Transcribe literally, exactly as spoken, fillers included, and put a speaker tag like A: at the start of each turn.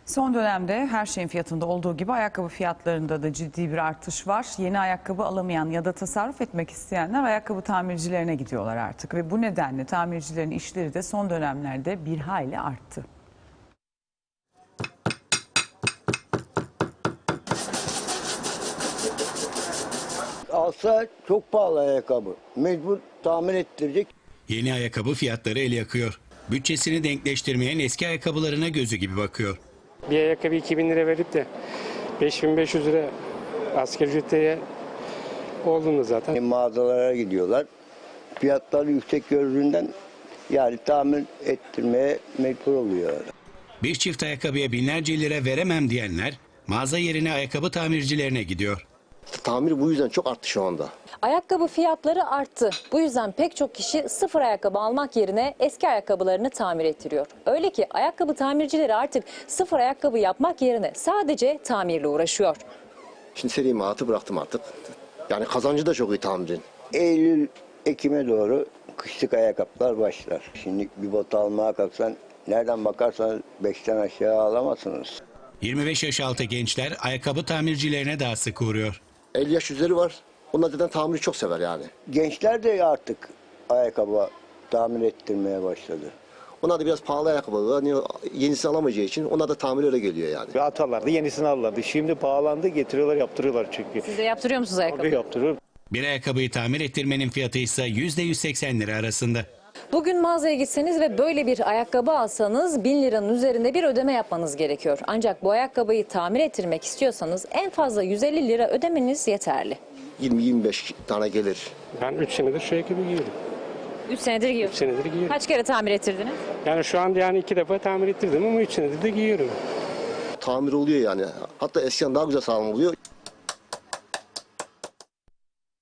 A: Son dönemde her şeyin fiyatında olduğu gibi ayakkabı fiyatlarında da ciddi bir artış var. Yeni ayakkabı alamayan ya da tasarruf etmek isteyenler ayakkabı tamircilerine gidiyorlar artık. Ve bu nedenle tamircilerin işleri de son dönemlerde bir hayli arttı.
B: Alsa çok pahalı ayakkabı. Mecbur tamir ettirecek.
C: Yeni ayakkabı fiyatları el yakıyor. Bütçesini denkleştirmeyen eski ayakkabılarına gözü gibi bakıyor.
D: Bir ayakkabı iki bin lira verip de beş bin beş yüz lira asgari ücrete olduğunu zaten.
B: E, mağazalara gidiyorlar. Fiyatları yüksek gördüğünden yani tamir ettirmeye mecbur oluyor.
C: Bir çift ayakkabıya binlerce lira veremem diyenler mağaza yerine ayakkabı tamircilerine gidiyor.
E: Tamir bu yüzden çok arttı şu anda.
F: Ayakkabı fiyatları arttı. Bu yüzden pek çok kişi sıfır ayakkabı almak yerine eski ayakkabılarını tamir ettiriyor. Öyle ki ayakkabı tamircileri artık sıfır ayakkabı yapmak yerine sadece tamirle uğraşıyor.
E: Şimdi seri imalatı bıraktım artık. Yani kazancı da çok iyi tamirin.
B: Eylül, Ekim'e doğru kışlık ayakkabılar başlar. Şimdi bir bot almaya kalksan nereden bakarsanız beşten aşağı alamazsınız.
C: yirmi beş yaş altı gençler ayakkabı tamircilerine daha sık uğruyor.
E: elli yaş üzeri var. Onlar zaten tamiri çok sever yani.
B: Gençler de artık ayakkabı tamir ettirmeye başladı.
E: Onlar da biraz pahalı ayakkabı. Hani yenisini alamayacağı için onlar da tamir öyle geliyor yani.
G: Atarlardı, yenisini alırlardı. Şimdi pahalandı, getiriyorlar, yaptırıyorlar çünkü.
F: Siz de yaptırıyor musunuz ayakkabı?
G: Tabii yaptırıyor.
C: Bir ayakkabıyı tamir ettirmenin fiyatı ise yüzde yüz seksen lira arasında.
F: Bugün mağazaya gitseniz ve böyle bir ayakkabı alsanız bin liranın üzerinde bir ödeme yapmanız gerekiyor. Ancak bu ayakkabıyı tamir ettirmek istiyorsanız en fazla yüz elli lira ödemeniz yeterli.
E: yirmi yirmi beş tane gelir.
D: Ben üç senedir şu ayakkabı giyiyorum.
F: üç senedir
D: üç
F: giyiyorsunuz.
D: senedir giyiyorum.
F: Kaç kere tamir ettirdiniz?
D: Yani şu an yani iki defa tamir ettirdim ama üç senedir de giyiyorum.
E: Tamir oluyor yani. Hatta eskiden daha güzel sağlam oluyor.